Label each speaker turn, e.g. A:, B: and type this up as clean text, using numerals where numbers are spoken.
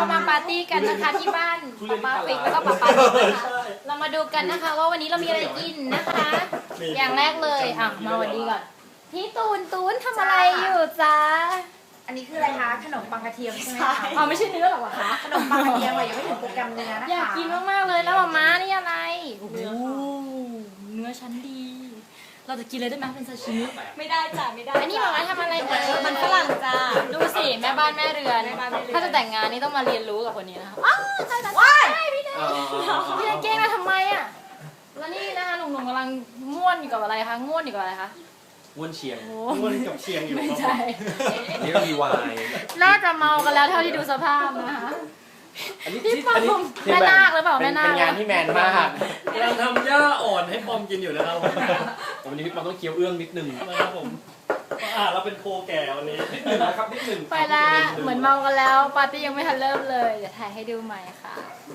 A: เรามาปาร์ตี้กันนะคะที่บ้านป้าฟิกแล้วก็ป้านะคะเรามาดูกันนะคะว่าวันนี้เรามีอะไรกินนะคะ อย่างแรกเลยอ่ะมาวันนี้ก่อนพี่ตูนทำอะไรอยู่จ๊ะ
B: อันนี้คืออะไรคะขนมปังกระเทียมใช่ไหมคะ
A: อ๋อไม่ใช่เนื้อหรอคะ
B: ขนมปังกระเทียมอะยังไม่ถึงโปรแกรมเนื้อนะคะ
A: อยากกินมากๆเลยแล้วม้านี่อะไรโอ้โหเนื้อชั้นดี เราจะกินเลยได้ไหมเป็นซาชิมิ
C: ไม่ได้จ้ะไม่ได้
A: อันนี้ม้าทำอะไรเอ่ย
C: มันฝรั่งจ้า
A: ดูสิแม่บ้านแม่เรือนถ้าจะแต่งงานนี่ต้องมาเรียนรู้กับคนนี้นะคะอ้าวใช่พี่แดงพี่แดงเก่งนะทำไมอ่ะแล้วนี่นะคะหนุ่มๆกำลังง่วนอยู่กับอะไรคะง่วนอยู่กับอะไรคะ
D: ม้วนเชียง
A: โอ้
E: ม้วนกับเชียงอยู่
A: ไม่ใช่
D: นี่ก็มีวาย
A: น่าจะเมากันแล้วเท่าที่ดูสภาพนะคะ
D: อันนี้
A: พี่ปอมแม่นาคหรือเปล่าแม่นาค
D: เป็นงานที่แมนมาก
E: กำลังทำหญ้าอ่อนให้ปอมกินอยู่นะครับผม
D: แต่วันนี้พี่ปอมต้องเคี้ยวเอื้องนิดนึง
E: นะครับผมเราเป็นโคแก่วันนี้
D: นิดนึงนะครับนิดนึง
A: ไปละเหมือนเมากันแล้วปาร์ตี้ยังไม่ทันเริ่มเลยเดี๋ยวถ่ายให้ดูใหม่ค่ะ